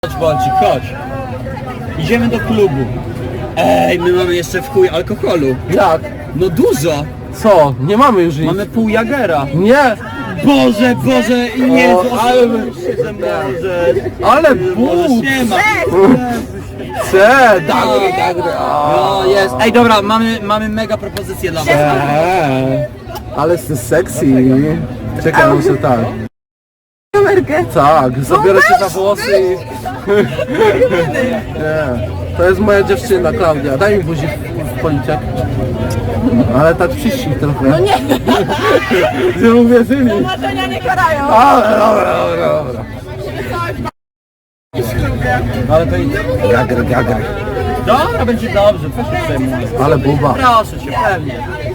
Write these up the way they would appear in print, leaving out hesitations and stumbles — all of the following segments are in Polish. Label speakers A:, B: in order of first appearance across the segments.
A: Chodź Bolcik, chodź. Idziemy do klubu. Ej, my mamy jeszcze w chuj alkoholu.
B: Jak?
A: No dużo.
B: Co? Nie mamy już nic.
A: Mamy pół Jagera.
B: Nie!
A: Boże, Boże, nie,
B: O, ale my-
A: że możesz.
B: Ale
A: Możesz,
B: bóg!
A: nie ma.
B: Chcę! Dagry, dagry!
A: No jest. Ej, dobra, mamy mega propozycję dla was.
B: Ale jesteś sexy. Czekaj, muszę tak.
C: Kamerkę.
B: Tak, zabiorę cię za włosy i... Nie. To jest moja dziewczyna, Klaudia. Daj mi buzi w policzek. Ale tak przyścig trochę.
C: No nie,
B: Nie uwierzyli.
C: marzenia nie karają.
B: Ale dobra.
A: Ale to idzie.
B: Gagry.
A: Dobra, będzie dobrze, co się przejmuje.
B: Ale buba.
A: Proszę cię, pewnie.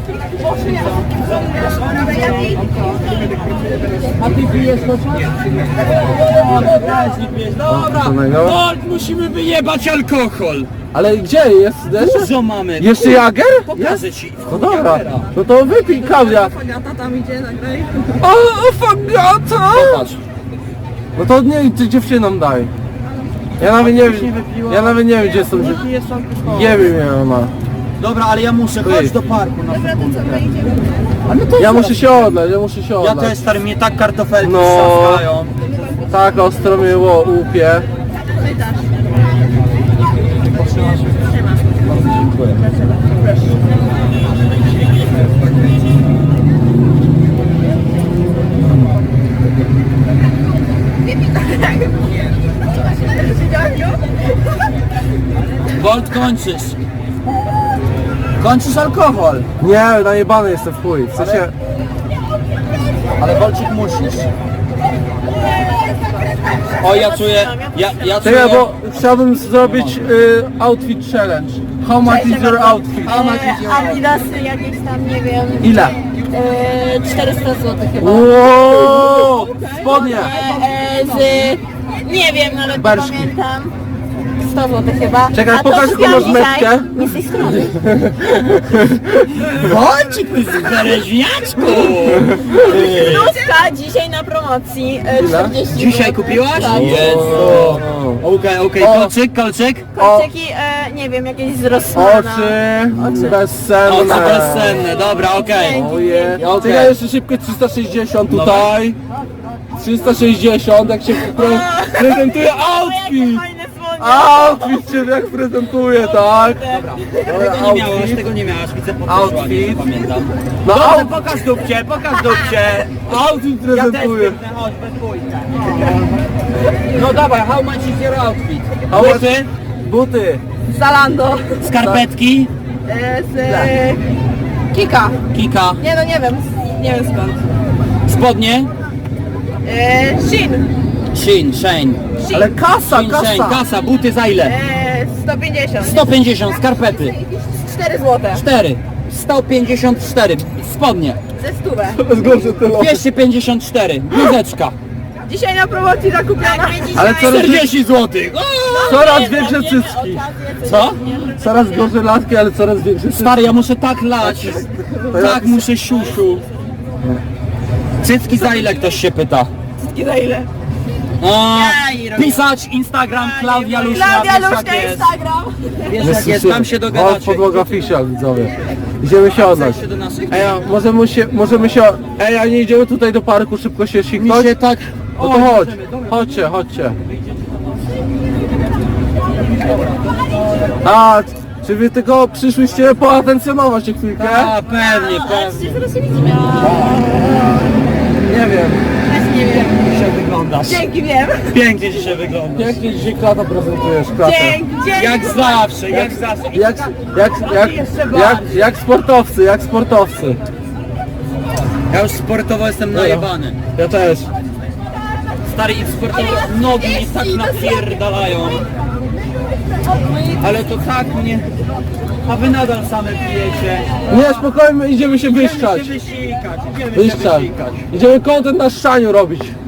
A: A ty pijesz to Dobra,
B: samego?
A: Bolt, musimy wyjebać alkohol.
B: Ale gdzie jest?
A: Dużo mamy.
B: Jeszcze Jager?
A: Pokażę ci.
B: No dobra. No to wypij, Klaudia.
C: Fagata tam idzie, nagraj.
B: O, fagata!
A: Patrz.
B: No to nie, ty dziewczynom daj. Ja nawet nie wiem, gdzie są dziewczyny. Nie wiem, jak ona.
A: Dobra, ale ja muszę, chodź do parku na sekundę.
B: Ja muszę się odlać.
A: Ja też, stary, mnie tak kartofelki
B: No.
A: saskają.
B: Tak ostro mnie łupie.
A: Bolt, kończysz. Kończysz alkohol.
B: Nie, najebany jestem w chuj. W sensie...
A: Ale Bolcik musisz. O, ja czuję, ja czuję...
B: Czekaj, bo chciałbym zrobić outfit challenge. How much is your outfit?
C: Adidasy jakieś tam, nie wiem.
B: Ile?
C: 400 zł chyba.
B: Wow! Spodnie!
C: Nie wiem, nawet
B: Barszki.
C: nie pamiętam. 100 zł chyba.
B: Czekaj,
C: A to
B: pokaż, jaką
C: kupiłam
B: masz
C: dzisiaj.
B: metkę.
C: Nie z tej strony.
A: Bolcik, ty bereźniaczku!
C: Bluzka dzisiaj na promocji. 40
A: Dzisiaj
C: zł.
A: kupiłaś?
C: Tak.
A: Jezu. Okej,
B: O.
A: kolczyk.
C: Kolczyki, nie wiem, jakieś z Rossmana.
B: Oczy bezsenne.
A: Oczy bezsenne, dobra, okej.
B: Oje.
A: Okej.
B: Czekaj, jeszcze szybko 360 tutaj. 360, jak się prezentuje
C: O, jakie
B: outfit.
C: fajne słonie.
B: Outfit się jak prezentuje, tak? Dobra,
A: Tego nie miałaś, widzę po
B: Outfit.
A: pamiętam.
B: No
A: Dobrze, pokaż dupcie.
B: outfit prezentuje.
A: Chodź, bez bójka. No dawaj, how much is your outfit?
B: How much-
A: Buty,
B: Buty.
C: Zalando.
A: skarpetki,
C: Kika.
A: kika,
C: Nie no, nie wiem. Nie wiem skąd.
A: spodnie,
C: Shin.
A: Shane,
B: Ale kasa,
A: kasa, buty za ile?
C: 150.
A: 150, skarpety,
C: 4 zł.
A: 4, 154, spodnie,
C: Ze stówę.
B: Zgorszę tyle.
A: 254, bluzeczka,
C: Dzisiaj na promocji zakupiona.
B: Ale coraz,
A: 40 zł.
B: coraz większe cycki.
A: Co?
B: Coraz gorzej latki, ale coraz większe cycki.
A: Stary, ja muszę tak lać, tak muszę siusiu. Cycki za ile, ktoś się pyta?
C: Za ile?
A: A, pisać Instagram Klaudia Luśna,
C: Klaudia
A: wiesz jak
C: Luśna,
A: jest.
C: Instagram.
A: Wiesz jak jest, tam się
B: O,
A: dogadacie.
B: podłoga fisza, widzowie. Idziemy się odlać.
A: Chcesz się do naszych?
B: Ej, a możemy się... Ej, a nie idziemy tutaj do parku szybko się
A: Mi
B: siknąć?
A: się tak...
B: No to chodź, chodźcie. A, czy wy tylko przyszłyście poatencjonować się chwilkę?
A: A, pewnie.
C: Zaraz się widzimy.
B: Nie wiem.
C: Też nie wiem.
A: Dzisiaj wyglądasz.
C: Dzięki, wiem.
A: Pięknie dzisiaj wyglądasz.
B: Pięknie dzisiaj klata prezentujesz, klatę.
C: Dzięki.
A: Jak zawsze.
B: Jak sportowcy.
A: Ja już sportowo jestem najebany.
B: Ja też.
A: Stary i sportowo nogi mi tak napierdalają. Ale to tak mnie... A wy nadal same pijecie.
B: Nie, spokojnie, idziemy się wyszczać.
A: Idziemy się wysikać.
B: Idziemy content na szczaniu robić.